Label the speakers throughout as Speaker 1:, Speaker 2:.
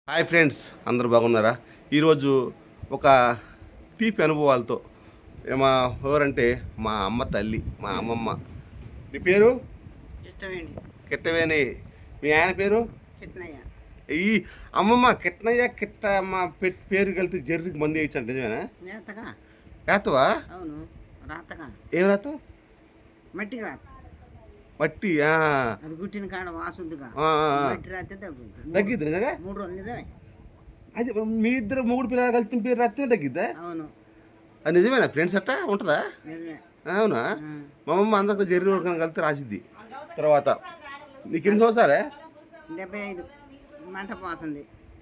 Speaker 1: Hi friends, అందరూ బాగున్నారా? ఈరోజు ఒక తీపి అనుభవాలతో మా ఎవరంటే మా అమ్మ తల్లి, మా అమ్మమ్మ. మీ పేరు?
Speaker 2: ఇష్టమేండి.
Speaker 1: కిట్టవేని. మీ ఆయన పేరు?
Speaker 2: కిట్నయ్య.
Speaker 1: ఈ అమ్మమ్మ కిట్నయ్య కిట్ట మా పేరు కలిసి జర్రికి మంది వేయించండి, నిజమేనా?
Speaker 2: నేతగా.
Speaker 1: రాతవా?
Speaker 2: అవును, రాతగా.
Speaker 1: ఏం రాత?
Speaker 2: మట్టి రాత.
Speaker 1: మట్టి.
Speaker 2: అది గుట్టిన కాడ వాసుద్దిగా. మట్టి రాతే తగ్గుద్ది.
Speaker 1: తగ్గిద్ది నిజంగా?
Speaker 2: 3 రోజులు నిజమే.
Speaker 1: అది మీ ఇద్దరు మూడు పిల్లలు కలిసి పేరు రాస్తే తగ్గిద్దా?
Speaker 2: అవును.
Speaker 1: అది నిజమేనా ఫ్రెండ్స్? అట్టా ఉంటుందా?
Speaker 2: నిజమే.
Speaker 1: అవునా? మా అమ్మమ్మ అందరికీ జర్రి ఉడకని కలిసి రాసిద్ది. తర్వాత నీకు ఎన్ని సంవత్సరాలే?
Speaker 2: 75. మంట పోతుంది.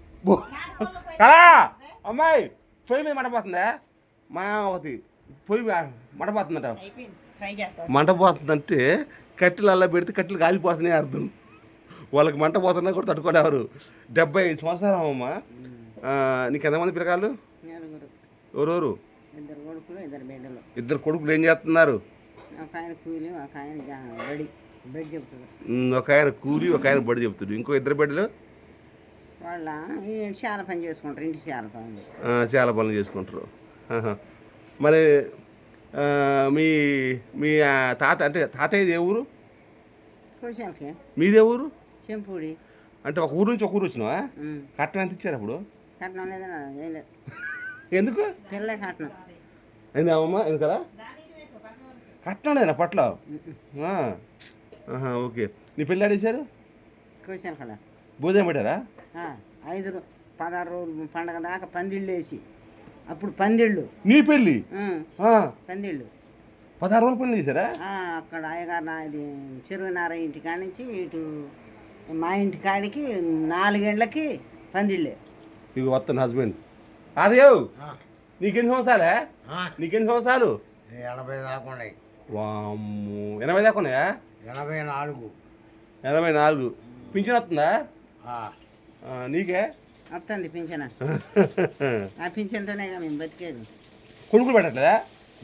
Speaker 1: అమ్మాయి పొయ్యి మీద మంటపోతుందా? మా ఒకటి పొయ్యి మంటపోతుందట. మంటపోతుందంటే కట్టెలు అలా పెడితే కట్టెలు కాలిపోతున్నాయి అర్థం. వాళ్ళకి మంట పోతున్నా కూడా తట్టుకోలేవారు. 75 సంవత్సరాలు అమ్మమ్మ. నీకు ఎంతమంది పిల్లకాయలు? ఎవరెవరు?
Speaker 2: 2 కొడుకులు 2 బిడ్డలు.
Speaker 1: 2 కొడుకులు ఏం చేస్తున్నారు?
Speaker 2: ఒక ఆయన కూలి, ఒక ఆయన బడి చెప్తాడు.
Speaker 1: ఒక ఆయన కూలి, ఒక ఆయన బడి చెప్తాడు. ఇంకో 2 బిడ్డలు
Speaker 2: వాళ్ళ చాలా పని చేసుకుంటారు. ఇంటి చాలా పని.
Speaker 1: చాలా పనులు చేసుకుంటారు. మరి మీ మీ తాత అంటే తాతయ్యది ఏ ఊరు?
Speaker 2: కోశాలకి.
Speaker 1: మీదే ఊరు?
Speaker 2: చెంపూడి.
Speaker 1: అంటే ఒక ఊరు నుంచి ఒక ఊరు వచ్చినావా? కట్నం ఎంత ఇచ్చారు అప్పుడు?
Speaker 2: కట్నం లేదన్నా ఏం లేదు.
Speaker 1: ఎందుకు?
Speaker 2: పిల్లలే కట్నం.
Speaker 1: ఏంది అమ్మమ్మ? ఎందుకలా? కట్నం లేదన్నా పట్ల? ఓకే. నీ పెళ్ళి ఆడేశారు?
Speaker 2: కోశాల కదా.
Speaker 1: భోజనం పెట్టారా?
Speaker 2: 16 రోజులు పండగ దాకా పందిళ్ళు వేసి, అప్పుడు పందిళ్ళు.
Speaker 1: నీ పెళ్ళి?
Speaker 2: పందిళ్ళు
Speaker 1: 16 రోజులు పెళ్ళి చేశారా?
Speaker 2: అక్కడ అయ్యగారు ఇది చెరువునారాయణ ఇంటి కాడి నుంచి ఇటు మా ఇంటి కాడికి 4 గంటలకి పందిళ్ళే.
Speaker 1: ఇక వస్తాను హస్బెండ్. అదేవ్ నీకెన్ని సంవత్సరాలే? నీకెన్ని సంవత్సరాలు?
Speaker 3: 80 దాకా ఉన్నాయి.
Speaker 1: వామ్మో, 80 దాకా ఉన్నాయా?
Speaker 3: 84.
Speaker 1: 84. పింఛన్ వస్తుందా? నీకే
Speaker 2: వస్తుంది పింఛన్. ఆ పింఛన్తోనే మేము బతికేది.
Speaker 1: కొడుకులు పెట్టట్లేదా?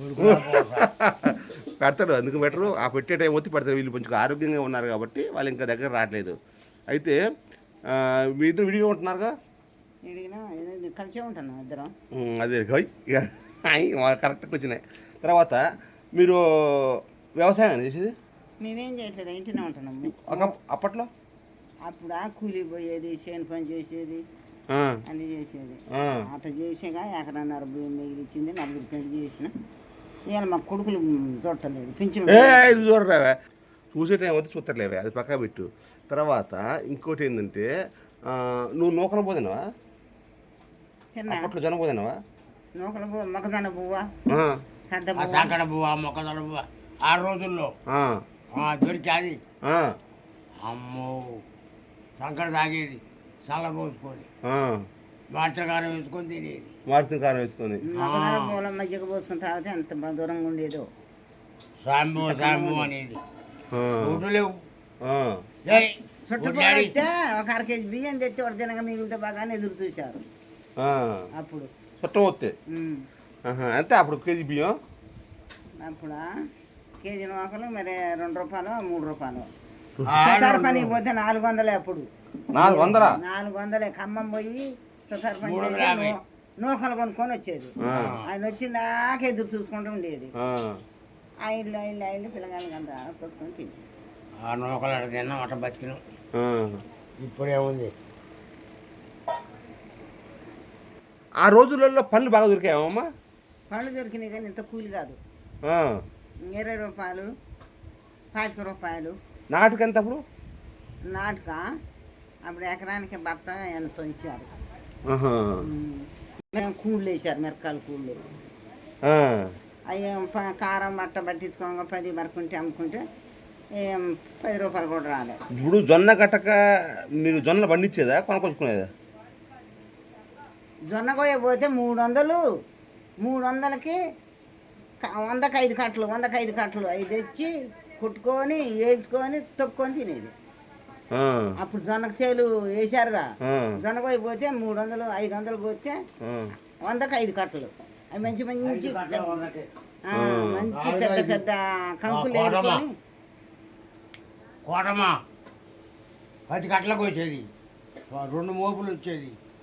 Speaker 1: పెడతాడు, అందుకు బెటరు. ఆ పెట్టే టైం వచ్చి పెడతారు. వీళ్ళు కొంచెం ఆరోగ్యంగా ఉన్నారు కాబట్టి వాళ్ళు ఇంకా దగ్గర రావట్లేదు. అయితే మీ ఇద్దరు విడిగా ఉంటున్నారుగా?
Speaker 2: కలిసే ఉంటున్నాం ఇద్దరం.
Speaker 1: అదే కరెక్ట్గా వచ్చినాయి. తర్వాత మీరు వ్యవసాయం చేసేది?
Speaker 2: మేమేం చేయట్లేదు, ఇంటినే ఉంటున్నాము.
Speaker 1: అప్పట్లో
Speaker 2: అప్పుడు ఆ కూలి పోయేది, చేను పని చేసేది, అన్నీ చేసేది. అట్లా చేసేగా 1.5 ఎకరం భూమి మిగిలిచ్చింది. 4 పెళ్లి చేసిన. ఇవాళ మా కొడుకులు చూడలేదు. పింఛన్
Speaker 1: ఇది చూడరావే, చూసే టైం వస్తే చూస్తలేవే, అది పక్కా పెట్టు. తర్వాత ఇంకోటి ఏంటంటే, నువ్వు నూకలు పోదినావా? అప్పట్లో జనం పోదినావా?
Speaker 2: నూకల పువ్వు, మొక్కజొన్న పువ్వా,
Speaker 3: సంకట పువ్వా, మొక్కజొన్న పువ్వా 6 రోజుల్లో దొరికేది. అమ్మో, సంకట తాగేది, చల్ల పోసుకొని మార్చకారం వేసుకొని తినేది.
Speaker 1: మార్చకారం వేసుకొని
Speaker 2: మొక్కజొన్న పువ్వుల మధ్యకు పోసుకొని తాగితే ఎంత దూరంగా ఉండేదో.
Speaker 3: సాంబు అనేది లేవు.
Speaker 2: చుట్టుపక్కల అయితే ఒక 1/2 కేజీ బియ్యం తెచ్చి ఒక దినంగా మిగిలితే బాగానే ఎదురు చూశారు అప్పుడు.
Speaker 1: చుట్టం వస్తే అంతే. అప్పుడు కేజీ బియ్యం
Speaker 2: అప్పుడు కేజీ నూకలు మరి 2 రూపాయలు 3 రూపాయలు. సుతారు పనికి పోతే 400. అప్పుడు 400. ఖమ్మం పోయి సుతారు పని చేసి నూకలు కొనుక్కొని వచ్చేది. ఆయన వచ్చిందాక ఎదురు చూసుకుంటూ ఉండేది. ఆ ఇల్లు పిల్లగాళ్ళకి అంతా కోసుకొని తినేది.
Speaker 3: ఆ నూకలు అక్కడ తిన్నాం, అట్ట బతికినాం. ఇప్పుడేముంది?
Speaker 1: ఆ రోజులలో పళ్ళు బాగా దొరికాయమ్మా?
Speaker 2: పళ్ళు దొరికినాయి కానీ ఇంత కూలి కాదు. 20 రూపాయలు, 25 రూపాయలు.
Speaker 1: నాటుకు ఎంత అప్పుడు?
Speaker 2: నాటుక అప్పుడు ఎకరానికి భర్త ఎంతో ఇచ్చారు. కూళ్ళు వేసారు, మిరకాయల కూళ్ళు. అవి కారం బట్ట పట్టించుకోగా 10 వరకుంటే అమ్ముకుంటే 10 రూపాయలు కూడా రాలేదు.
Speaker 1: ఇప్పుడు జొన్న గట్టక మీరు జొన్నలు పండించేదా, కొనుక్కొచ్చుకునేదా?
Speaker 2: జొన్న కోయ పోతే 300. 300కి 100కి 5 కట్టలు, 100కి 5 కట్టలు అవి తెచ్చి కుట్టుకొని వేయించుకొని తొక్కొని తినేది. అప్పుడు జొన్నకు చేలు వేసారుగా. జొన్న కోయ పోతే 300, 500 పోతే 100కి 5 కట్టలు. అవి మంచి పెద్ద పెద్ద కంకులు వేసుకొని
Speaker 3: కోటమా 10 కట్టలకు వచ్చేది. 2 మోపులు వచ్చేది.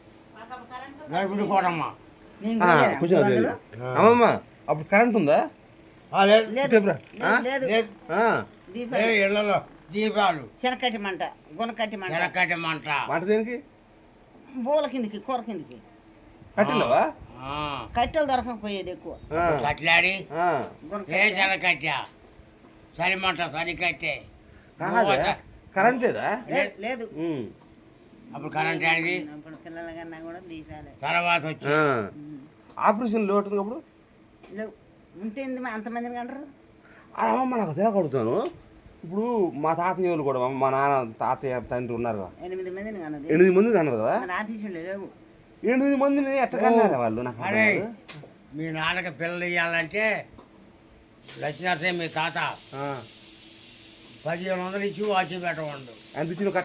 Speaker 3: గడిపిడి కోటమ్మ
Speaker 2: నేను
Speaker 1: ఆ,
Speaker 2: పోయా.
Speaker 1: కొంచెం అది
Speaker 2: అందులో?
Speaker 1: అమ్మమ్మ అప్పుడు కరెంట్ ఉందా
Speaker 3: లేదు
Speaker 2: లేదు
Speaker 1: చెప్పురా. ఆ?
Speaker 2: లేదు
Speaker 3: లేదు
Speaker 1: ఆ,
Speaker 2: దీపాలు
Speaker 3: ఇళ్ళలో దీపాలు
Speaker 2: శనకట్టి మంట గునకట్టి మంట
Speaker 3: వెనకటి మంట
Speaker 1: మాట దేనికి
Speaker 2: బోల కిందికి కూర కిందికి
Speaker 1: కట్టెలవా
Speaker 3: ఆ.
Speaker 2: కట్టెలు దొరకకపోయేది ఎక్కువ
Speaker 1: ఆ,
Speaker 3: కట్లాడి
Speaker 1: ఆ.
Speaker 3: ఏ
Speaker 2: గునకట్టి
Speaker 3: చెనకట్టా సరిమంట సరికట్టే
Speaker 1: కాదా? కరెంట్ లేదా
Speaker 2: లేదు
Speaker 1: ఉమ్.
Speaker 3: అప్పుడు కరెంట్ ఆడిది
Speaker 2: అప్పుడు పిల్లల కన్నా కూడా దీపాలే
Speaker 3: తర్వాత వచ్చి
Speaker 1: ఆ. ఆపరేషన్ లోటు ఉంది అప్పుడు
Speaker 2: లేవు ఉంటే అంతమందిని కంటారు
Speaker 1: ఆ, అమ్మమ్మ నాకు తెలియకడుగుతాను ఇప్పుడు మా తాతయ్య వాళ్ళు కూడా మా నాన్న తాతయ్య తండ్రి ఉన్నారు కదా
Speaker 2: 8 మందిని కన్నది
Speaker 1: 8 మంది కన్నారు కదా
Speaker 2: మన ఆఫీసులో లేవు
Speaker 1: 8 మందిని ఎట్లా కన్నారా వాళ్ళు నాకు అర్థం
Speaker 3: అరే
Speaker 1: కాదు.
Speaker 3: మీ నాన్నకి పిల్లలు ఇవ్వాలంటే లక్ష్మీనరసింహ మీ తాత
Speaker 1: ఆ.
Speaker 3: 1500 ఇచ్చి వాచి పెట్టవండు
Speaker 1: ఎంత ఇచ్చిన